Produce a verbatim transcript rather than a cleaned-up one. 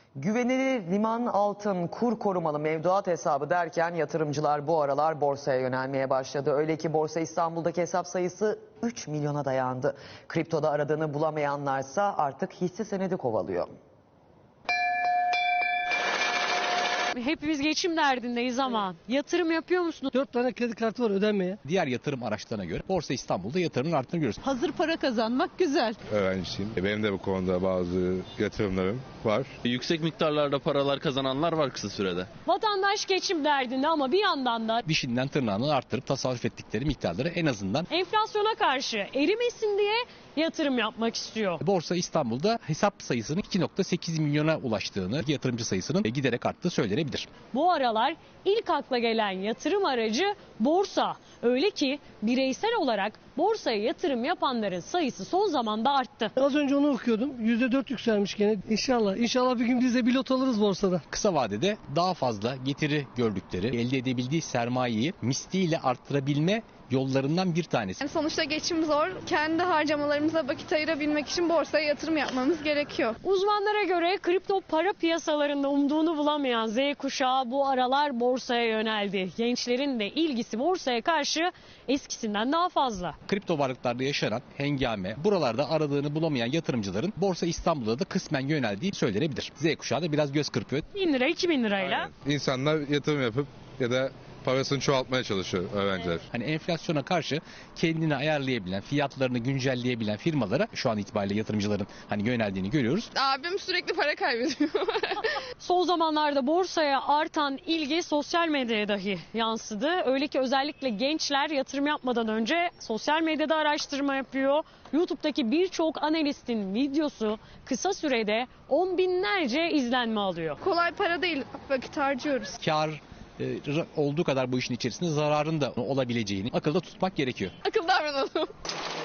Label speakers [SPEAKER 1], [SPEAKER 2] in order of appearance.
[SPEAKER 1] Güvenilir liman, altın, kur korumalı mevduat hesabı derken yatırımcılar bu aralar borsaya yönelmeye başladı. Öyle ki Borsa İstanbul'daki hesap sayısı üç milyona dayandı. Kriptoda aradığını bulamayanlarsa artık hisse senedi kovalıyor.
[SPEAKER 2] Hepimiz geçim derdindeyiz ama yatırım yapıyor musunuz?
[SPEAKER 3] Dört tane kredi kartı var ödenmeye.
[SPEAKER 4] Diğer yatırım araçlarına göre Borsa İstanbul'da yatırımın arttığını görüyoruz.
[SPEAKER 2] Hazır para kazanmak güzel.
[SPEAKER 5] Öğrencisiyim. Benim de bu konuda bazı yatırımlarım var.
[SPEAKER 6] Yüksek miktarlarda paralar kazananlar var kısa sürede.
[SPEAKER 2] Vatandaş geçim derdinde ama bir yandan da
[SPEAKER 4] Dişinden tırnağını arttırıp tasarruf ettikleri miktarları en azından
[SPEAKER 2] enflasyona karşı erimesin diye yatırım yapmak istiyor.
[SPEAKER 4] Borsa İstanbul'da hesap sayısının iki nokta sekiz milyona ulaştığını, yatırımcı sayısının giderek arttığı söylenebilir.
[SPEAKER 2] Bu aralar ilk akla gelen yatırım aracı borsa. Öyle ki bireysel olarak borsaya yatırım yapanların sayısı son zamanda arttı.
[SPEAKER 3] Az önce onu okuyordum. yüzde dört yükselmiş gene. İnşallah. İnşallah bir gün biz de bir lot alırız borsada.
[SPEAKER 4] Kısa vadede daha fazla getiri gördükleri, elde edebildiği sermayeyi misliyle arttırabilme yollarından bir tanesi.
[SPEAKER 7] Yani sonuçta geçim zor. Kendi harcamalarımıza vakit ayırabilmek için borsaya yatırım yapmamız gerekiyor.
[SPEAKER 2] Uzmanlara göre kripto para piyasalarında umduğunu bulamayan Z kuşağı bu aralar borsaya yöneldi. Gençlerin de ilgisi borsaya karşı eskisinden daha fazla.
[SPEAKER 4] Kripto varlıklarda yaşanan hengame, buralarda aradığını bulamayan yatırımcıların Borsa İstanbul'da da kısmen yöneldiği söylenebilir. Z kuşağı da biraz göz kırpıyor.
[SPEAKER 2] bin lira iki bin lirayla.
[SPEAKER 5] Aynen. İnsanlar yatırım yapıp ya da parasını çoğaltmaya çalışıyor öğrenciler.
[SPEAKER 4] Hani enflasyona karşı kendini ayarlayabilen, fiyatlarını güncelleyebilen firmalara şu an itibariyle yatırımcıların hani yöneldiğini görüyoruz.
[SPEAKER 7] Abim sürekli para kaybediyor.
[SPEAKER 2] Son zamanlarda borsaya artan ilgi sosyal medyaya dahi yansıdı. Öyle ki özellikle gençler yatırım yapmadan önce sosyal medyada araştırma yapıyor. YouTube'daki birçok analistin videosu kısa sürede on binlerce izlenme alıyor.
[SPEAKER 7] Kolay para değil, vakit harcıyoruz.
[SPEAKER 4] Kar e, olduğu kadar bu işin içerisinde zararın da olabileceğini akılda tutmak gerekiyor.
[SPEAKER 7] Akıl davranalım.